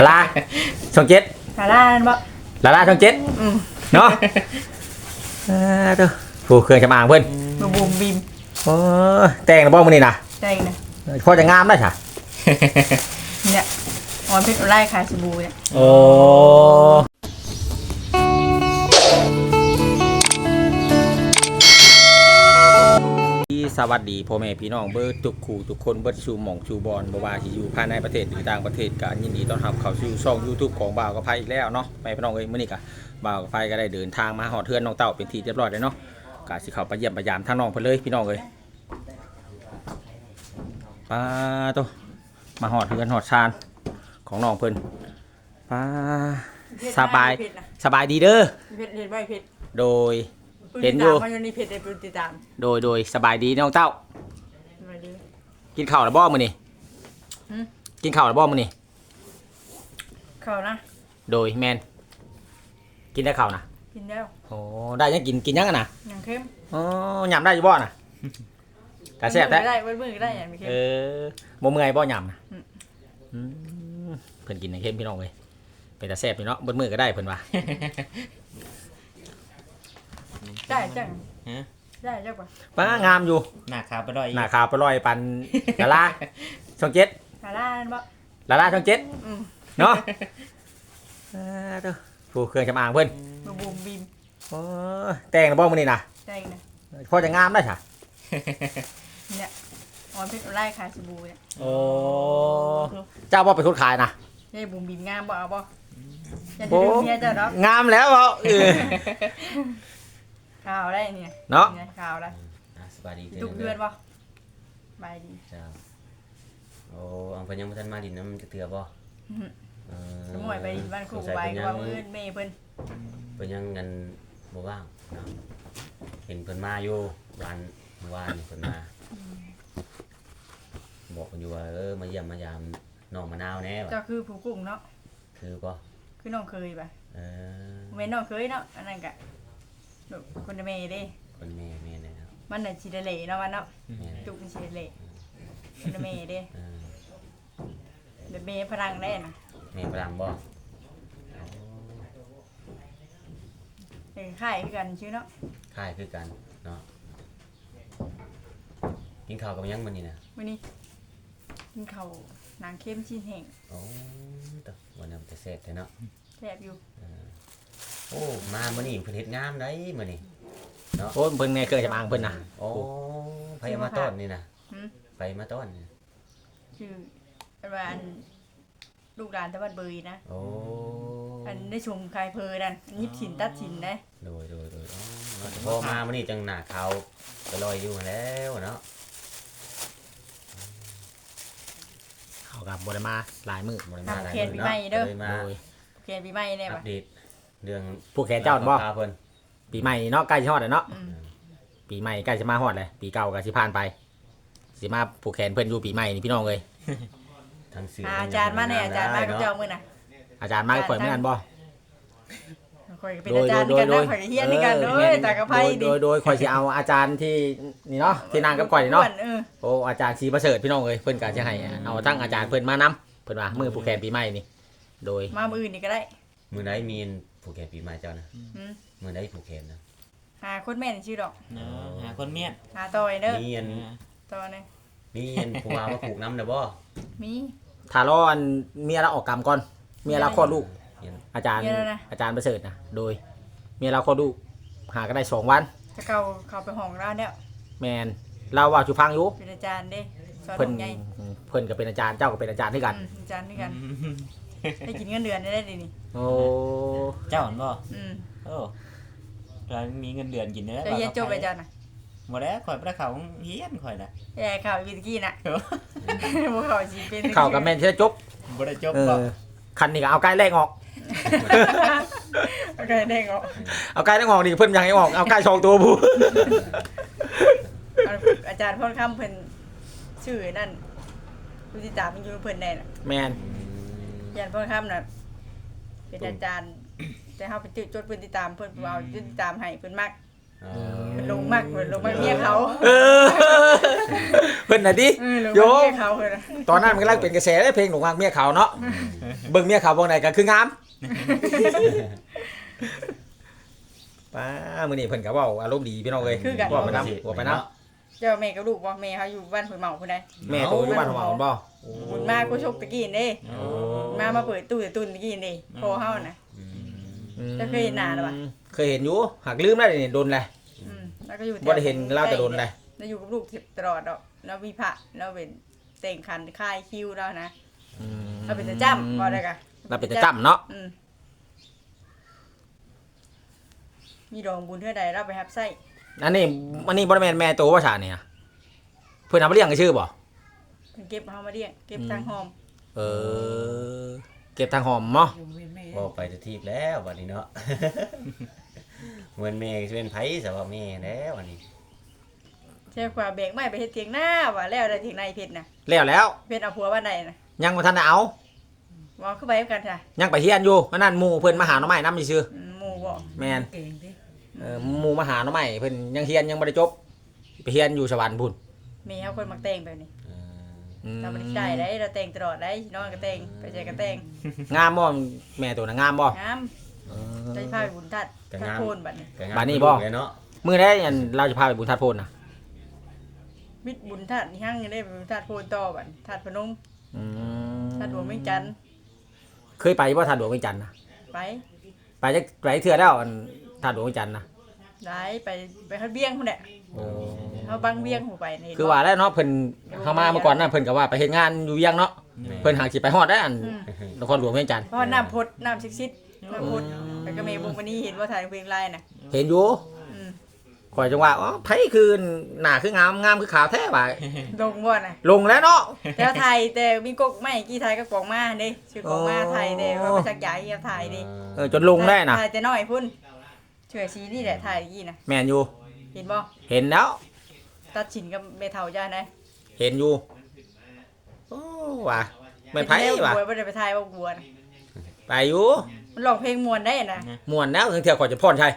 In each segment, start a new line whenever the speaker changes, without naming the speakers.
ลาช่องเจ็ด
ลาล่าบ่
ลาช่องเจ็ดเนาะเด้อผู้เครื่องจำอางเพิ่น
บูมบีม
โอ้แต่งแล้วบ่มื้อนี้นะ
แต่งนะ
พอจะงามได้ค่ะ
เนี่ยออนเพชรไล่ขายสบู่เนี่ย
โอ้สวัสดีพ่อแม่พี่น้องเบิร์ทุกคู่ทุกคนเบิร์ชูหม่องชูบอลบ่ว่าที่อยู่ภายในประเทศหรือต่างประเทศก็ยินดีต้อนรับเข้าสู่ช่อง YouTube ของบ่าวกับไผอีกแล้วเนาะแม่พี่น้องเอ้ยมื้อนี้ก็บ่าวกับไผก็ได้เดินทางมาฮอดเทือนน้องเต้าเป็นที่เรียบร้อยแล้วเนาะก็สิเข้าไปเยี่ยมไปยามทางน้องเพิ่นเลยพี่น้องเอ้ยป้าโตมาฮอดเทือนฮอดชานของน้องเพิ่นป้าสบายดีเด้อ
เพชรเห็นบ่เพชร
โดยเห็นอยู่
มันมีเพจในติดตาม
โดยสบายดีน้องเต้ากินข้าวแล้วบ่มื้อนี้กินข้าวแล้วบ่มื้อนี้
ข้าวนะ
โดยแมนกินได้ข้าวนะ
กินแล้ว
โอ้ได้ยังกินยังกันนะ
ยังเข้ม
อ๋อยำได้อยู่บ่น่ะแต่แซ่บแท้
ได้มือได้อย่างมีเข้ม
บ่เมื่อยบ่ยำนะเพิ่นกินในเข้มพี่น้องเลยเป็นแต่แซ่บพี่เนาะบ่มือก็ได้เพิ่นว่า
ได้จังได้จังป่ะ
ป้างามอยู่
หน้าขาวไปลอย
หน้าขาวไปลอยปันลาช่องเจ็ด
ลาล่าบ่
ลาช่องเจ็ดเนาะเด้อผู้เครื่องจำอางเพิ่น
บูมบีม
โอ้แต่งแล้วบ่มื้อนี้นะ
แต่งนะ
พอจะงามได้ค่ะ
เนี่ยออนเพชรไล่ขายสบู่เนี่ย
โอ้เจ้าบ่เป็นคนขายนะ
ยายบูมบีมงามบ่เอาบ่จะดูเมียเจ้าเนาะ
งามแล้วเปล่า
ข่าวได้เนี่ย
เนาะ
ข่าวได้
สบายดี
ทุกเดือนป่ะสบายดี
เจ้าโอ้อังเพิ่นยังบ่ทันมาดินน้ำจะเตือบ่
สมวยไปบ้านครูใบก็ว่ามื้อแม่เพิ่น
ยังเงินบ่ว่างเห็นเพิ่นมาอยู่วันเมื่อวานนี่เพิ่นมาบอกเพิ่นอยู่ว่ามาเยี่ยมมายามน้องมะนาวแน่
เจ้าคือผู้กุ้งเนาะ
คือบ่
คือน้องเคยป่ะแม่น้องเคยเนาะอันนั้นก็คนแม่เด้
คนแม่นะครับ
มันน่ะสิได้เล่เนาะมันเนาะตุกสิได้เล่คนแม่เด้แม่พลังแน่น่ะ
แม่พลังบ่
ค่ายคือกันชื่อเนาะ
ค่ายคือกันเนาะกินข้าวกับยังมื้อนี้น่ะ
มื้อนี้กินข้าวนางเข้มชิ้นแห้ง
โอ้ตะวันนั้นจะแซ่บแท้เนาะ
แซ่บอยู่
โอ้มามื้อนี้เพิ่นเฮ็ดงามได้มื้อนี้
เนาะโอ้เพิ่นไงเคยจำอางเพิ่นน่ะ
โอ้ไผมาต้อนนี่น่ะไปมาต้อนนี่
ชื่อว่าอันลูกหลานตะวันเบยนะ
โอ้
อันได้ชมคายเพอนั่นยิบฉินตัดฉินได้
โดยพอมามื้อนี้จังหน้าขาวไปลอยอยู่แล้วเนาะ
เขากับบ่ได้มาหลายมื้อ
บ่ได้มาหลาย
มื้อเนาะเด้อเขียนปีใหม่แน่
บ่อัปเดตเรื่อง
ผู้แขนเจ้าบ่ปีใหม่เนาะใกล้สิฮอดแล้วเนาะปีใหม่ใกล้สิมาฮอดแล้วปีเก่าก็สิผ่านไปสิมาผู้แขนเพิ่นอยู่ปีใหม่นี่พี่น้องเอ้ย
ทั้งสื่อ
อาจารย์มาแน่อาจารย์มากับเจ้ามื้อน่ะ
อาจารย์มาข่อยเหมือนกันบ่
ข่อยเป็นอาจารย์กันนะข่อยเฮียนนี่กันเด้อตากระไผดิ
โดยข่อยสิเอาอาจารย์ที่นี่เนาะที่นางกับข่อยเนาะโอ้อาจารย์ศรีประเสริฐพี่น้องเอ้ยเพิ่นก็สิให้เอาทั้งอาจารย์เพิ่นมานํเพิ่นว่ามื้อผู้แขนปีใหม่นี่โดย
มามื้ออื่นนี่ก็ได้
มื้อใดมีผู้แขนปีใหม่เจ้านะมื้อใดผู้แขนนะ
หาคนแม่นชื่อดอก
หาคนเมียน
หาต่อยเด้อ
มีอัน
ต่อนี่
มีอันผู้ว่ามาผูกน้ำเด้อบ่
มี
ถ้ารออันเมียเราออกกรรมก่อนเมียเราคลอดลูกอาจารย์ประเสริฐนะโดยเมียเราคลอดลูกหาก็ได้2 วัน
จะเข้าไปห้องร้านแล้ว
แมนเราว่าจุฟังอยู่
เป็นอาจารย์เด้สอนไง
เพิ่นก็เป็นอาจารย์เจ้าก็เป็นอาจารย์ด้วยกัน
อาจารย์ด้วยกันให้กินเงินเดือนได้ดินี่
โอ้
เจ้าเห็นบ่
โอ้
เรามีเงินเดือนกินได้
จะเรียนจบไปจ้ะน่ะ
บ่ได้ข่อยบ่ได้เข้าเรียนข่อยน่ะ
เข้าวิทย์กี้น่ะบ่เข้าสิเป็น
เข้ากับแม่นสิจบ
บ่ได้จบบ่
คันนี้ก็เอาไก่แรกออก
เอาไก่แรกออก
เอาไก่แรกออกนี่เพิ่นอยากให้ออกเอาไก่2 ตัวผู้
อาจารย์พ่นคำเพิ่นชื่อนั่นผู้ติดตามมันอยู่เพิ่นได้น่ะ
แม่น
อาจารย์พ่นคำน่ะเป็นอาจารย์แต่เฮาไปจดเพิ่นติดตามเพิ่นเอาติดตามให้เพิ่นมัก
เออ
เพิ่นลงมากเพิ่นลงมากเมียเขา
เออเพิ่นน่ะดิ
ลง
โย
มากเมียเขาเพิ่นน่ะ
ตอนนั้นมันกำลังเป็นกระแสได้เพลงหลงรักเมียเขาเนาะเบิ่งเมียเขาบ่ไหนก็คืองามป้ามื้อนี้เพิ่นก็เว้าอารมณ์ดีพี่น้องเอ้ยเว้าไปนำว่าไปนำ
เจ้าแม่กับลูกบ่แม่เขาอยู่บ้านเพิ่นเมาพุ่นใด
แม่โตอยู่บ้านของเราบ่
บุญมากูชกตะกี้นี่
โอ้
มาเปิดตู้ตุนตะกี้นี่พอเฮาน่ะ จะเคยเห็นหน้าหรือเปล่า
เคยเห็นอยู่หักลืมได้นี่โดนเลย
แล้วก็อยู่
บ่ได้เห็นเล่าแต่โดนเลย
แล้วอยู่กับลูกตลอดดอกแล้วมีพระแล้วเป็นแต่งคันค่ายคิวแล้วนะเราเป็นจะจ้ำบ่ได้กะ
เราเป็นจะจ้ำเนาะ
มีดองบุญเท่าใดเราไปรับไส้
อันนี้บ่ได้แม่นแม่โตว่าชาเนี่ยเพิ่นเอามาเลี้ยงกันชื่อบ่
เพิ่นเก็บเฮามาเลี้ยงเก็บทางหอม
เออเก็บทางหอมเนาะ
บ่ไปจะทีบแล้วบัดนี้เนาะ เหมือนแม่สิเป็นไผซะว่าแม่แล้วอันนี้
ใช่กว่าเบรกไม่ไปเฮ็ดเถียงหน้าว่าแล้วได้เถียงในเพชรน่ะ
แล้ว
เพชรเอาผัวบ้านใดน่ะ
ยังบ่ทันได้เอา
ว่าคือไปกันจ้ะ
ยังไปเฮียนอยู่อันนั้นหมู่เพิ่นมาหาหน่อไม้นำซื่อ
หมู่บ่
แม่นหมู่มาหาหน่อไม้เพิ่นยังเฮียนยังบ่ได้จบไปเฮียนอยู่สวรรค์พุ่น
มีเฮาคนมักแต่งแบบนี้
เออ
เราบ่ได้ได้เราแต่งตลอดได้นอนก็แต่งไปใจก็แต่ง
งามบ่แม่ตัวน่ะงามบ่
งามได้พาไปบุญทัดทัดโพนบัดนี้
ก็งม
บัดนี้บ่
เลยเนาะ
มื้อใดอันเราจะพาไปบุญทัดโพนน่ะ
มิดบุญทัดนี่หั่งยังได้ไปบุญทัดโพนต่อบัดทัดพนม
อืม
ทัดหลวงเวียงจันทน์
เคยไปบ่ทัดหลวงเวียงจันทน์น่ะ
ไป
ไปจักไปเทื่อแล้วอันทัดหลวงเวียงจันทน์น่ะ
ได้ไปฮัดเวียงพุ่นแหละ
โอ้
เฮาบังเวียงหูไปนี่
คือว่าแล้วเนาะเพิ่นเข้ามาเมื่อก่อนน่ะเพิ่นก็ว่าไปเฮ็ดงานอยู่เวียงเนาะเพิ่นหาสิไปฮอดได้อันนครหลวงเวียงจันทน์
เพราะน้ำพดน้ำซิดๆน้ำพดไปก็เมย์บุกมานี่เห็นว่าถ่ายเพลงไลน์น่ะ
เห็นอยู่
อืม
ข่อยจังว่าอ๋อไผคือหน้าคืองามงามคือขาวแท้ว่า
ลงบ่น่ะ
ลงแล้วเนาะ
แต่ไทยแต่มีกกไม่กี่ไทยก็กองมาเด้ชื่อกองมาไทยเด้ว่ามาจากใหญ่เฮียไทยเด้
จนลงได้น่ะ
ไทยแต่น้อยพุ่นเฉื่อยชีนี่แหละไทยกี่น่ะ
แม่นอยู่
เห็นบ่
เห็นแล้ว
ตัดฉินกับเมเฒ่าจ้าไหน
เห็นอยู่โอ้ว่ะไม่ไผว่ะ
บัวบ่ได้ไปไทยบ่บัวน่ะ
ไปอยู่
มันร้องเพลงม่วนได้น่ะ
ม่วนแล้วถึงเที่ยวข่อยจะพรชัย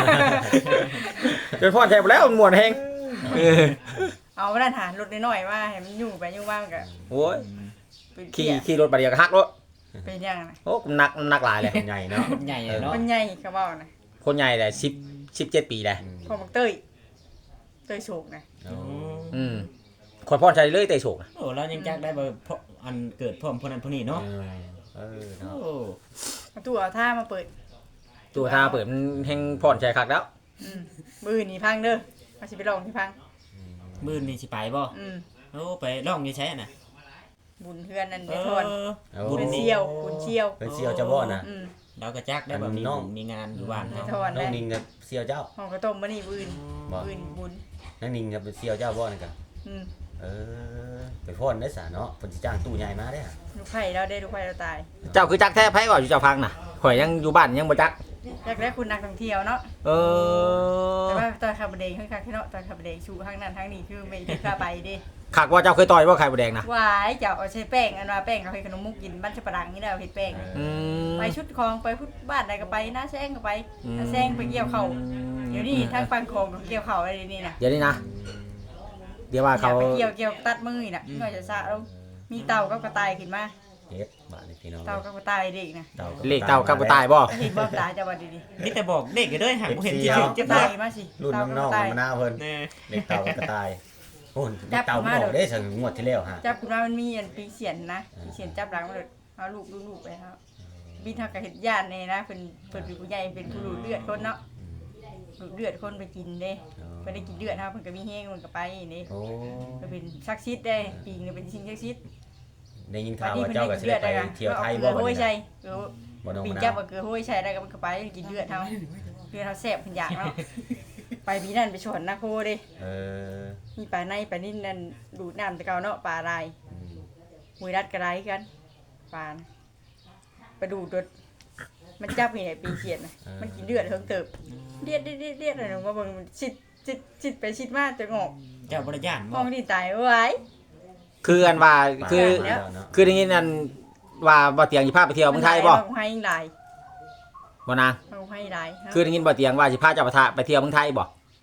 จนพรชัยไปแล้วมันม่วนแฮงเออ
เอามานั่นหารถน้อยๆว่าให้มันอยู่ไปอยู่มามันก็
โอ้ย
เป็น
ขี่
เกีย
ขี่รถบาดเดียวก็ฮักรถ
เป็นหยังน่ะ
โอ้หนักหลายเลย
ใหญ่เนาะ
ใหญ่เลยเนาะ
มันใหญ่เขาเว้าน่ะ
คนใหญ่เลย17 ปีเลย
พ่อมักเต้ยโศกน่ะ
โอ้
ข่อยพรชัยเลยเตะโศกนะ
โอ้เรายังจักได้บ่เพราะอันเกิดพร้อมคนนั้นคนนี้เนาะ
เออเนาะ
โอ้
เอาตู้เอาท่ามาเปิด
ตัวท่าเปิดมันแฮงพรชัยคักแล้ว
มือนี่พังเด้อมาสิไปลองที่พัง
มื้อนี้สิไปบ่
อืม
โอ้ไปร้องอยู่ใช้น่ะ
บุญเฮือนนั่น
เอ
เด้ทอน
อ
บุ
บุ
ญ
ญ
นี่
เชี่ยวบุญเชี่ยว
เป็นเสี่ยวเจ้าบ่น่ะ
อืม
เราก็จักได้บ่มี
น้อง
มีงานอยู่บ้าน
เด้
เนาะ
ทอน
น้อ
ได้
งนิงกับเสี่ยวเจ้า
ห้องกระต้มมื้อนี้บุญ
บ่
บุญ
น้องนิงกับเป็นเสี่ยวเจ้าบ่นี่กัน
อืม
เออไปพ่นได้สาเนาะเพิ่นสิจ้างตู้ใหญ่มาได้อะ
ลูกไผ่เราได้ลูกไผ่เราตาย
เจ้าคือจักแท้ไผว่าอยู่เจ้าพังน่ะข่อยยังอยู่บ้านยังบ่จัก
อยากได้คุณนักท่องเที่ยวเนาะ
เออ
แต่ว่าตอนขับเดงคือคักที่เนาะตอนขับเดงชูทางนั้นทางนี้คือไม่ได้พาไปเด้
คักว่าเจ้าเคยต่อยบ่ไข่บ่แดงนะ
หวายเจ้าเอาใช้แป้งอันว่าแป้งเขาเฮ็ดขนมมุกกินบ้านชะปะดังนี่แหละเฮ็ดแป้ง
อืม
ไปชุดคลองไปพุทธบ้านใดก็ไปหน้าแซงก็ไปหน้าแซงไปเกี่ยวเขาเดี๋ยวนี้ทางปังคองก็เกี่ยวเขาอะไรนี่น่ะ
เดี๋ยวนี้นะเดี๋ยวว่า
อยา
เขา
กไปเกี่ยวตัดมือนี่น่ะน่อยจะสะลงมีเต่ากับกระต่ายขึ้นมา
เฮ็ดบาดนี่พี่น้อง
เต่ากับกระต่ายเด็กนะ
เลขเต่ากับกระต่ายบ่
เห็นบ่ตาจะบ่ดี
มีแต่บอกเด็กอยู่เด้อหักบ่เห็น
เสี่
สิ
ยว
ถึง
ๆ
จะ
กระ
ตา
ต่าย ยมาสิ
รุ่น
เต่ากับ
น้
ก
อง
ระต่าย
ๆมันหน้าเพิ่น
แน่
เด็กเต่ากับกระต่ายโอ้ยเด็กเต่าบ่ออกได้สังงวดที่แล้วฮะ
จับขึ้นมามันมีอันปีเสียนนะปีเสียนจับหลังมาเลยเอาลูกไปครับบินทางกับเฮ็ดญาตินี่นะเพิ่นเป็นผู้ใหญ่เป็นผู้รู้เลือดคนเนาะรู้เลือดคนไปกินเด้ไปได้กินเลือดครับเพิ่นก็มีแห้งเพิ่นก็ไปนี่
โอ้
ก็เป็นซักซิดได้ปีนึงเป็นสิ่งซักซิด
ได้ยินข่าวว่าเจ้าก็สิได้ไปเที่ยวไทยบ่
บ่
บัด
โอ้ย
นี้
ใช่
นะบ่น้อง
ปี
มะ
จั
นา
บ
ว
ก็คือโอ้ยใช่ได้ก็มันก็ไปกินเลือดเฮาเลือดเฮาแซ่บเพิ่นอยากเนาะไปปีนั้นไปชนนะโคเด้
เออ
มีปลาในปลานิ่นนั่นดูดน้ำแต่เก่าเนาะปลาลายหวยรัดกระไรกันปลานะไปดูดรถมันจับนี่แหละปีเขียนนะมันกินเลือดเฮิงเติบเลียดอะไรเนาะมาเบิ่งมันชิดไปชิดมาจนงอก
เจ้าบ่ได้ย่าน
ม
บ่
องที่ตายไว้
คืออันว่าคือ
แล้ว
คือได้ยินอันว่าบ่เตียงสิพาไปเที่ยวเมืองไทยบ่
มันให้หลาย
บ่นาง
มันให้หลาย
คือได้ยินบ่เตียงว่าสิพาเจ้าไปเที่ยวเมืองไทยบ่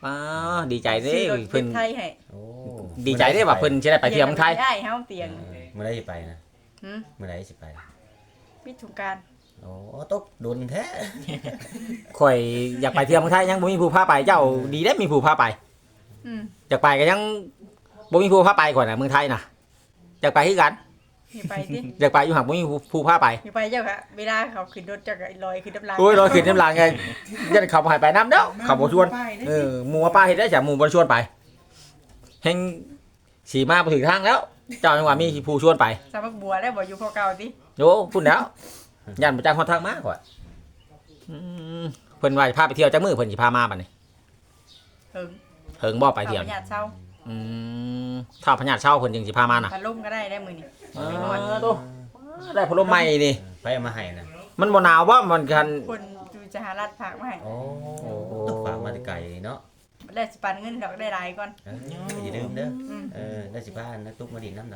ป้าดีใจเด้
ซื้อรถ
เพิ่น
ไทยให้
โอ้
ดีใจเด้ว่าเพิ่นสิได้ไปเที่ยวเมืองไทย
ได้เฮาเตียง
เมื่อไรสิไปนะ
หึ
เมื่อไรสิไป
พิถุการ
โอ้ตกดุนแท้
ข่อยอยากไปเที่ยวเมืองไทยยังบ่มีผู้พาไปเจ้าดีได้มีผู้พาไป
อืม
อยากไปก็ยังบ่มีผู้พาไปก่อนน่ะเมืองไทยน่ะอยากไปคือกัน
อย่าไปสิ
อยากไปอยู่หักบ่มีผู้พาไป
อย่าไปเจ้าค่ะเวลาเขาขึ้นรถจักรลอยขึ้นน้ำลาย
โอ้ยรอยขึ้นน้ำลายไงยันเขาบ่ให้ไปน้ำเด้อเขาบ่ชวนหมู่ว่าป้าเฮ็ดได้จ้ะหมู่บ่ชวนไปแฮงสีมาบ่ถึงทางแล้ว เจ้าจังว่ามีผู้ชวนไป
สามักบัวแล้วบ่อยู่พอเก่าติ
โยพุ่นแล้วยันบ่จักฮอดทางมาก่อนอืมเพิ่นว่าจะพาไปเที่ยวจักมื้อเพิ่นสิพามาบัดนี้
เหิง
เฮิงบ่ไปเที่ยว
อาญาติเช่า
อืมถ้าพญาติเช่าเพิ่นจึงสิพามาน่ะ
พัดลมก็ได้ได้มื้อนี้
โตได้พัดลมใหม่นี่
ไปเอามาให้นะ
มันบ่หนาวบ่มันกัน
คนอยู่สหรัฐฝากมาให้
โอ้ต้องฝากมาแต่ไกลเนาะ
ได้สิปันเงินดอกได้หลายก่อน
อย่าลืมเด้อ
อืม
ได้สิบ้านนะตุ๊กมาดินน้ำดอก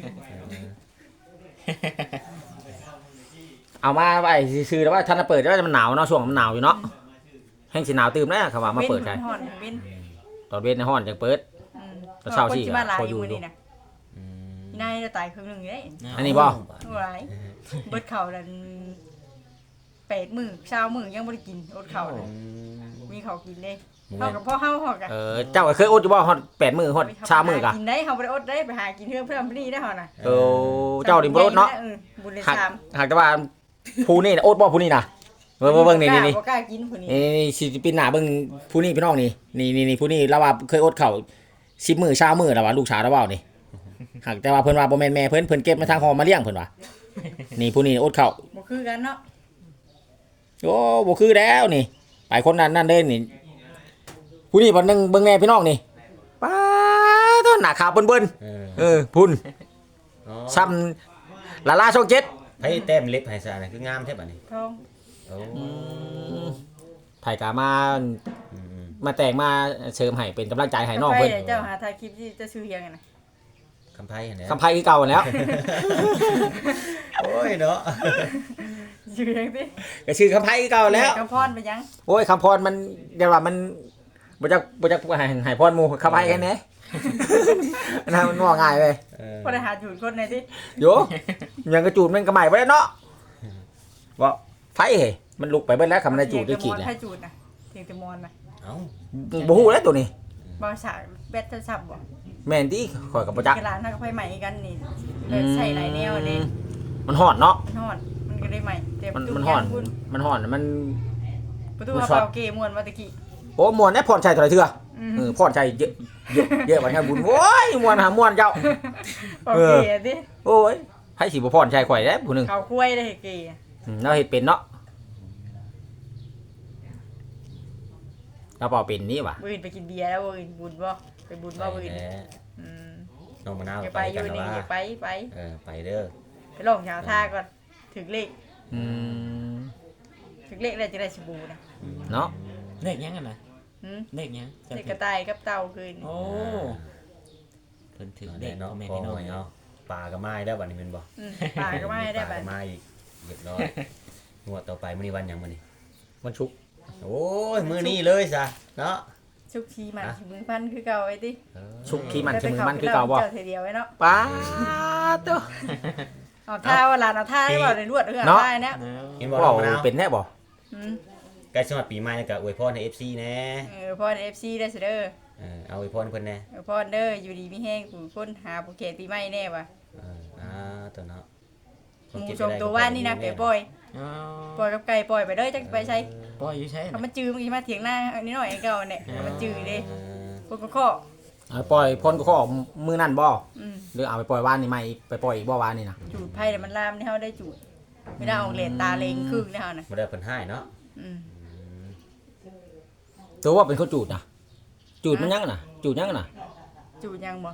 เอามาไว้ซื่อๆแล้วว่าท่านเปิดแล้วมันหนาวเนาะช่วงมันหนาวอยู่เนาะแห้งสิหนาวตื่มแล้วเขาว่ามาเปิดใช่
ฮ้อนเว้น
ตอนเว้นในห้อนจังเปิด
อืม
ตอนเช้าสิ
คนสิมาหลาย
พอ
อ
อยู่
ยู่มื้อนี้น่ะอีนายจะตายครึ่งหนึงเด้
อันนี้บ่
หลายเบิดข้าวนั่น8มื้อเช้ามื้อยังบ่ได้กินอดข้าวเลยมีข้าวกินเด้เฮากับพ่อเฮาฮอกอะ
เจ้าก็เคยอดอยู่บ่ฮอด8มื้อฮอดชามื้อกะ
กินได้เฮาบ่ได้อดได้ไปหากินเพื่อนพนี่ได้เฮาน่ะ
เจ้าดิบ่อดเนาะ
บุญเลย
หาก
สาม
หากแต่ว่าผู้นี่น่ะอดบ่ผู้นี่น่ะเบิ่งนี่
บ่กล้ากินผู้นี้
นี่สิปินหน้าเบิ่งผู้นี่พี่น้องนี่ผู้นี่เราว่าเคยอดข้าว10มื้อชามื้อแล้วว่าลูกชายเราเว้านี่หากแต่ว่าเพิ่นว่าบ่แม่นแม่เพิ่นเก็บมาทางหอมาเลี้ยงเพิ่นว่านี่ผู้นี่อดข้าว
บ่คือกันเนาะ
โอ้บ่คือแล้วนี่ไปคนนั้นนั่นเด้นี่ผู้นี่บ่นึงเบิ่งแน่พี่น้องนี่ป้าต้นหน้าขาวเบิ่นๆพุ่นซ้ำลาลาช่อง7
ไผแต้มเล็บให้ซะน่ะคืองามแท้บัดนี้
พร้อม
โอ้
ไผกามาแต่งมาเสริมให้เป็นกำลังใจให้น้องเพิ่น
เจ้าหาถ่ายคลิปที่จะชื่อเฮียงกันน่ะ
คำไผหั่นแหละ
คำไผคือเก่าแล้ว
โอ้ยเนาะ
ชื่อเฮียงติ
ก็ชื่อคำไผคือเก่าแล้ว
กำพรไปยัง
โอ้ยคำพรมันเดี๋ยวว่ามันบ่จักให้พรหมู่คำไผแค่นี้ นะมันว่าง่ายเว้ย
บ่ได้หาจูดคนไหนติ
โยยังกระจูดมันก็ใหม่บ่ได้เนาะว่าไฟเฮ้มันลุกไปเบิดแล้วคำมันได้จูดได้ขีด
แล้
แล้ว ว
ให้จูดน่ะเทียงแต่มอนน่ะ
เอ้า
บ่ฮู้แล้วตัวนี้
บ่สากแบตจะซับบ่
แม่นติข่อยก็บ่จัก
กระดานถ้าก็ไฟใหม่กันนี่เลยใส่หลายแนวเด้
มันฮ้อนเนาะ
มันฮ้อนมันก็ได้ใหม่แต่
มันฮ้อนมัน
ประตูเปล่าเกม่วนมาตะกี้
โอ้ม่วนแน่พรชัยเท่าไหร่เถื่อพรชัยเยอะบัดนี้บุญโอ้ยม่วนหาม่วนเจ้า
โอเคดิ
โอ้ยให้สิบ่พรชัยข่อยแล้วผู้หนึง
เขาคุ้ยได้เกย์
เราเฮ็ดเป็นเนาะเราเปล่าเป็นนี่ว่ะ
บืนไปกินเบียร์แล้วบืนบุญบ่ไปบุญบ่บืน
แหละ
อืม
น้องมะนาว
อย่าไปอยู่นี่อย่าไป
ไปเด้อ
ไปลองชาวท่าก่อนถึงเลข
อืม
ถึงเลขแล้วจะได้สบู่นะ
เนาะ
เลขยังกันนะ
หืม
เลขยัง
เลขกระต่ายกับเต่าคืน
โอ้เพิ่นถือเล
เด็
ข
เนาะ
แม่
พ่อ
พี่น้อง
เนาะปลาก็ไม้แล้วบัดนี้แม่นบ่
ปลาก็ไม่ได้
ป
แบ
ลา
บ
ก็ไม้อีกเรียบร้อยงวดต่อไปมื้อนี้วันหยังมื้อนี้
มันชุก
โอ้ยมื้อนี้เลยซะเนาะ
ชุกชีมันชิมือพันคือเก่าไอ้ติ
ชุกขี้มันใช่มือมันคือเก่าบ่
เจ้าเดียวไว้เนาะ
ป้าตัว
เอาท่าว่าลานเอาท่าได้บ่ได้รวดเรื่องท่าเนี่ย
เห็นบ่
เว้า
น้องมะนาว
เป็นแน่บ่
อืม
ใกล้สมัครปีใหม่ก็อวยพรให้ FC แน่
พอใน FC ได้เสด้อ
เอาอวยพรเพิ่นแน่
พอเด้ออยู่ดีมีแห้งผู้คนหาผู้เขตปีใหม่แน่ว่ะ
ตัวเนาะ
หมูชมตัวว่านี่นะไก่ปล่อย
อ๋อ
ปล่อยกับไก่ปล่อยไปเด้อจักไปใช้
ปล่อยอยู่ใช่
เขามาจื้อมันมาเถียงหน้าอันนี้หน่อยไอ้เก่าเนี่ยเขามาจื้อเด้คนก็ข้อ
เอาปล่อยพ่นก็ขอมือนั่นบ่
อืม
หรือเอาไปปล่อยว่านนี่ใหม่ไปปล่อยอีกบ่ว่านนี่นะ
จูดไผ่แต่มันลามนี่เฮาได้จูดไม่ได้เอาเลนตาเลงครึ่งนี่เฮาน่ะ
บ่ได้เพิ่นให้เนาะ
อืม
ตัวว่าเป็นคนจูดนะจูดมันยังน่ะจูดยังน่ะ
จูดยังบ่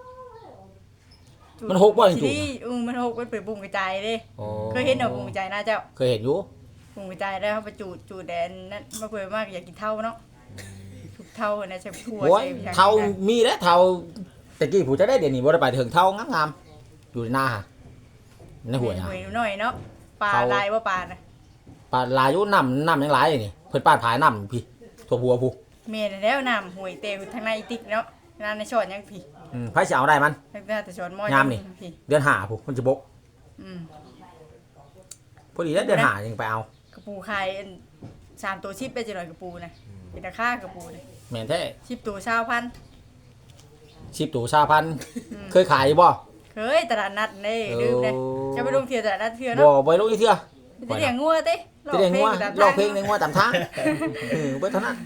จูด
มันหกบ่จูด
ที่มันหกมันเป็นบุ้งกระจายเด้
โอ้
เคยเห็นเอาบุ้งกระจายนะเจ้า
เคยเห็นอยู่
บุ้งกระจายแล้วเขาไปจูดแดนนั่นมาเพิ่นมากอยากกินเท่าเนาะทุกเท่านะใช่ทั่ว
โอ้ย
ใช่
เท่ามีแล้วเท่าตะกี้ผู้จะได้เดี๋ยวนี้บ่ได้ไปถึงเท่างามๆอยู่ในหน้าฮะในหัวนะ
หวยหน่อยเนาะปลา
เท่า
ลายว่าปลาน่ะ
ปลาลายอยู่น้ำยังหลายเลยนี่เพิ่นปาดผายน้ำพี่ทั่วหัวผู้
เมียนแล้วน้ำห่วยเตวทางในอีติ๊กเนาะน้ำในช้อนยังพี่
ไผสิเอาได้มัน
ตั้งแต่ช้อนหม้อย
ามนี่
พี่
เดือน5พุ่นมันสิบก
อืม
พอดีแล้วเดือน5ยังไปเอา
กระปูขายอัน3ตัว10ไปจังหน่อยกระปูนะเป็นราคากระปูนะ
แม่นแท้
10ตัว20,000
10ตัว20,000เคยขายบ่
เคยตลาดนัดเด้ลืมเด้
โอ้
จะไปลงเที่ยวตลาดนัดเที่ยว
บ่
เนาะ
บ่ลงอีเทื่อ
จะเลี้ยงงัวเต้
จะได้งัวร้องเพลงใน
ใน
งัวตามทางเบิดเท่านั้น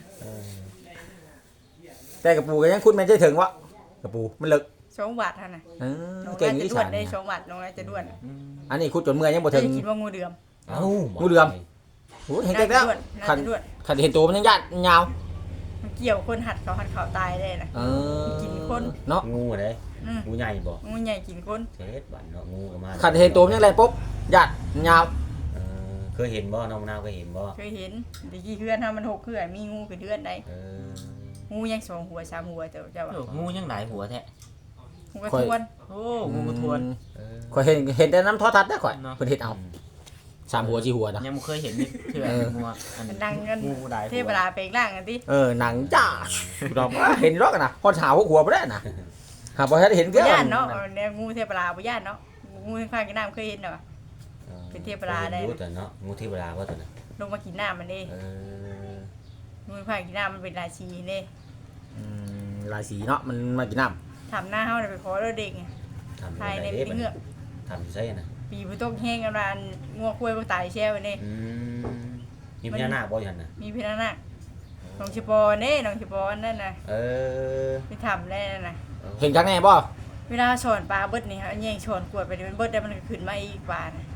แต่กระปูก็ยังคุณแม่นใจถึงวะกระปูมันเลิก
2 บาทเท่านั้น น้อง
เก่ง
น่า
อี
จะด้
สา
วน นได้
เนี่ย
2 บาทน้องน่าจะด้วน
อันนี้คุดจนเมื่อยยังบ่ถึง
จะคิดว่างูเดือม
เอ้า
งูเหลือม โอ้เห็นเก่งแล้ว
น่า
คัน
จะด้วน
คันเห็นตัวมันยังยาดยาว
มันเกี่ยวคนหัดเขาตายได้นะ กินคน
เนาะ
งูเด้
อืม
งูใหญ่บ่
งูใหญ่กินคน
เช็ดบันเนาะงูก็มา
คันเห็นตัวมันยังแรงปุ๊บยาดยาว
เคยเห็นบ่น้องมะนาวเคยเห็นบ่
เคยเห็นตะกี้เพื่อนทำมัน6เพื่อนมีงูกับเดือนได้
เออ
งูยัง2หัว3หัวเจ้าว่า
โอ้งูยังหลายหัวแท้
งูกระทวน
โอ้งูกระทวน
เออ
ข่อยเห็นแต่น้ำโทอทัศน์ได้ข่อย
เนาะ
เพิ่นเฮ็ดเอา3หัว4หัวนะ
ยังบ่เคยเห็นนี่เถื่อ
เออ
งูอัน
มันดังกัน
งูหลาย
เท
หั
พ
ว
ลาเปลงร่างกันติ
หนังจ้าดอกเห็นรอกนะพอถาวหัวบ่ได้น่ะหาบ่ทันเห็น
บ่
เด้อ
ย่านเนาะแนวงูเทพลาบ่ย่านเนาะงูข้างกินน้ำเคยเห็นเนาะ เป็นเทพราได้
งูตัวเนาะงูเทพราว่าตัวนั้น
ลงมากินน้ำมันเด้
เออ
งูข้างกินน้ำมันเป็นราชีเด้
ลายสีเนาะมันมากินน้ำ
ทำหน้าเฮาน่ะไปขอเราเด็กไง
ทำ
ภายในเป็นเงือก
ทำอยู่ใช่นะ
ปีบ่ตกแห้งกันว่างัวคุ้ยบ่ตายแช่ไว้เด้
มีพญานาคบ่ยันน่ะ
มีพี่นั่นน่ะน้องชิปอเด้น้องชิปอนั่นน่ะ
เออ
ไปทำได้นั่นน่ะ
เห็นครั้งแน่บ่
เวลาสอนปลาเบิดนี่ฮะแย่งสอนกวดไปมันเบิดได้มันก็ขึ้นมาอีกปลาน่ะ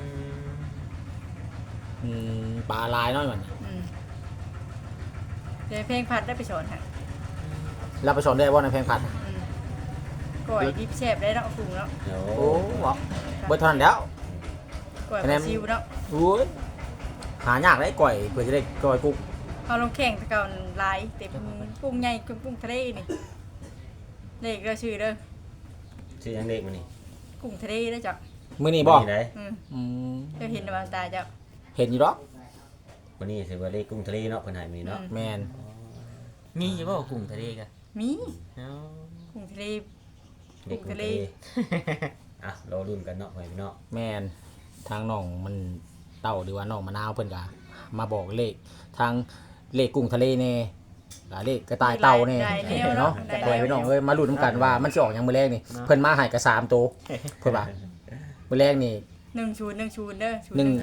ปลาลายน้อยมัน
อืมเดี๋ยวเพลงพัดได้ไปสอนฮะ
เราไปสอนได้บ่ในเพลงผัด
อืมก่อยดิบแซ่บได้เนาะปรุงเนาะ
โอ้บ่เบิดเท่านั้นแล้ว
ก่อย
คะ
ป
แน
ลาน ซิวเนาะ
โอ้ยหายากได้ก่อยเพื่อจะได้ก่อยกุ้ง
เอาลงแข่งแตะเก่าหลายเต็มกุ้งใหญ่กับกุ้งทะเลนี่เลขเด้อชื่อเด้อ
ชื่อยังเด็กมันนี่
กุ้งทะเลเด้อจ้ะ
มื้อนี้บ่
ไหน
อืม
อืม
เจ้าเห็นในบางตาเจ้า
เห็นอยู่ดอก
วันนี้สิว่าเลขกุ้งทะเลเนาะเพิ่นให้มีเนาะ
แม่น
มีอยู่บ่กุ้งทะเลกะ
มี
เนาะ
กุ้งทะเล
เด็กกุ้งทะเลอ่ะรอรุ่นกันเนาะไปพี่เนาะ
แม่นทางน้องมันเต้าหรือว่าน้องมะนาวเพิ่นก็มาบอกเลขทางเลขกุ้งทะเลแน่เลขกระต่ายเต่าแน่เนาะปล่อยพี่น้องเอ้ยมาลุ้นนำกันว่ามันสิออกหยังมื้อแรกนี่เพิ่นมาให้ก็3ตัวเพิ่นว่ามื้อแรกนี่
10 เด้อ
หนึ่ง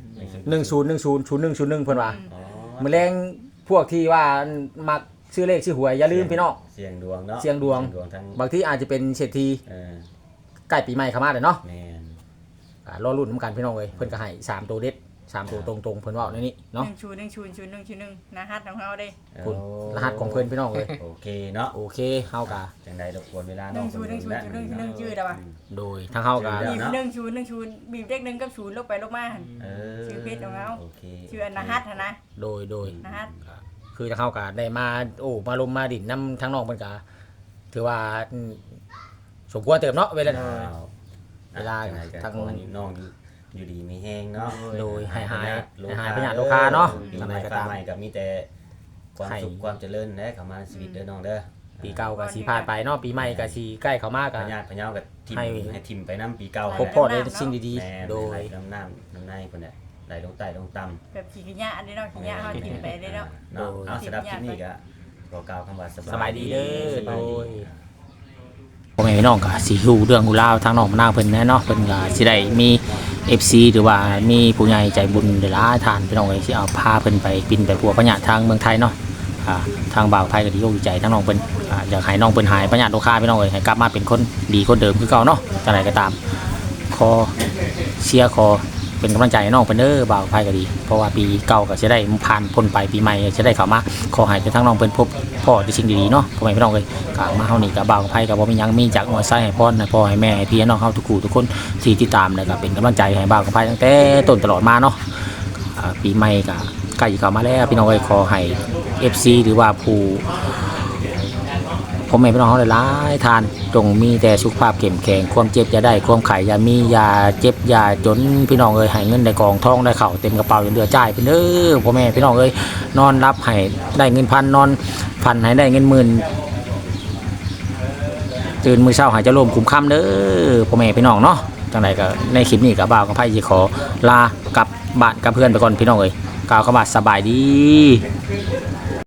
10100101เพิ่นว่า
อ๋อ
มื้อแรงพวกที่ว่ามักชื่อเลขชื่อหวยอย่าลืมพี่น้อง
เสียงดวงเนาะ
เสียงดวง
ทั้ง
บางทีอาจจะเป็นเศรษฐี
เออ
ใกล้ปีใหม่เข้ามาแล้วเนาะ
แม่น
รอรุ่นนำกันพี่น้องเอ้ยเพิ่นก็ให้3ตัวเด็ด3ตัวตรงๆเพิ่นเว้าในนี้เนาะ
1 นะฮัดของเฮาเด้
คุณรหัสของเพิ่นพี่น้องเอ้ย
โอเคเนาะ
โอเคเฮาก็
จังใดรบกวนเวลาน้อง
1ชื่อได้ป่ะ
โดยทางเฮาก็
บีบ1บีบเลข1กับ0ลงไปลงมาหั่น ชื่อเพจของเรา
โอเค
ชื่ออันนะฮัดหั่นนะ
โดย
นะฮัด
คือทางเฮาก็ได้มามาลมมาดินนํทางน้องเพิ่นก็ถือว่าสมควรเติบเนาะเวลา เวลา
ทา
ทาง ง
น้องอยู่ดีมีแห้งเนาะ
โดยหายพยาธิโรคาเนาะ
ปี
ทำ
ให
ไม
ม่
ก็
ฟ้า
ตาม
ใหม่ก็มีแต่ความสุขความเจริญและเข้ามาชีวิตเด้อน้องเด้อ
ปีเก่าก็สิผ่านไปเนาะปีใหม่ก็สิใกล้เข้ามา
พ
ก็
ญาติพญากับทิม
ให้
ให้ทิมไปน้ำปีเก่า
พบพ่อได้สิ่งดี
แม่
ๆ โดย
น้ำน้ำในคนเนี่ยไหลลงใต้ลงต่ำ
แบบขี้ขยะอันนี้เนาะขี้ขยะเฮากินไปได้เนาะ
เนาะเอาสำหรับคลิปนี้ก็ขอกล่าวคำว่า
สบายดีเด้อ
ส
โด
บายดี
ยพ่อแม่พี่น้องก็สิฮู้เรื่องฮู้ราวทางน้องมะนาวเพิ่นแน่เนาะเพิ่นก็สิได้มี FC หรือว่ามีผู้ใหญ่ใจบุญหลายๆท่านพี่น้องเอ้ยสิเอาพาเพิ่นไปบินไปพัวพญาทางเมืองไทยเนาะทางบ่าวไทยก็ดีอกดีใจทั้งน้องเพิ่นอยากให้น้องเพิ่นหายพญาโรคาพี่น้องเอ้ยให้กลับมาเป็นคนดีคนเดิมคือเก่าเนาะจังไดก็ตามขอเชียร์ขอเป็นกำลังใจให้น้องเพิ่นเด้อบ่าวไทยก็ดีเพราะว่าปีเก่าก็สิได้ผ่านพ้นไปปีใหม่จะได้เข้ามาขอให้ทั้งน้องเพิ่นพบพ่อที่สิ่งดีๆเนาะพ่อแม่พี่น้องเอ้ยก็มาเฮานี่ก็บ่าวไทยก็บ่มีหยังมีจากหัวไส้ให้พรให้พ่อให้แม่ให้พี่ให้น้องเฮาทุกคู่ทุกคนที่ติดตามแล้วก็เป็นกำลังใจให้บ่าวไทยตั้งแต่ต้นตลอดมาเนาะปีใหม่ก็ใกล้เข้ามาแล้วพี่น้องเอ้ยขอให้ FC หรือว่าผู้ผมไม่พี่น้องเฮาหลายๆทานจงมีแต่สุขภาพเข้มแข็งความเจ็บอย่าได้ความไข้อย่ามีอย่าเจ็บอย่าจนพี่น้องเอ้ยให้เงินได้กองทองได้เข้าเต็มกระเป๋าจนเดือจ่ายไปเด้อพ่อแม่พี่น้องเอ้ยนอนรับให้ได้เงินพันนอนพันให้ได้เงินหมื่นตื่นมื้อเช้าให้เจะร่มคุ้มค่ำเด้อพ่อแม่พี่น้องเนาะจังไดก็ในคลิปนี้ก็บ่าวกับไผสิขอลากลับบ้านกับเพื่อนไปก่อนพี่น้องเอ้ยกล่าวคำว่าสบายดี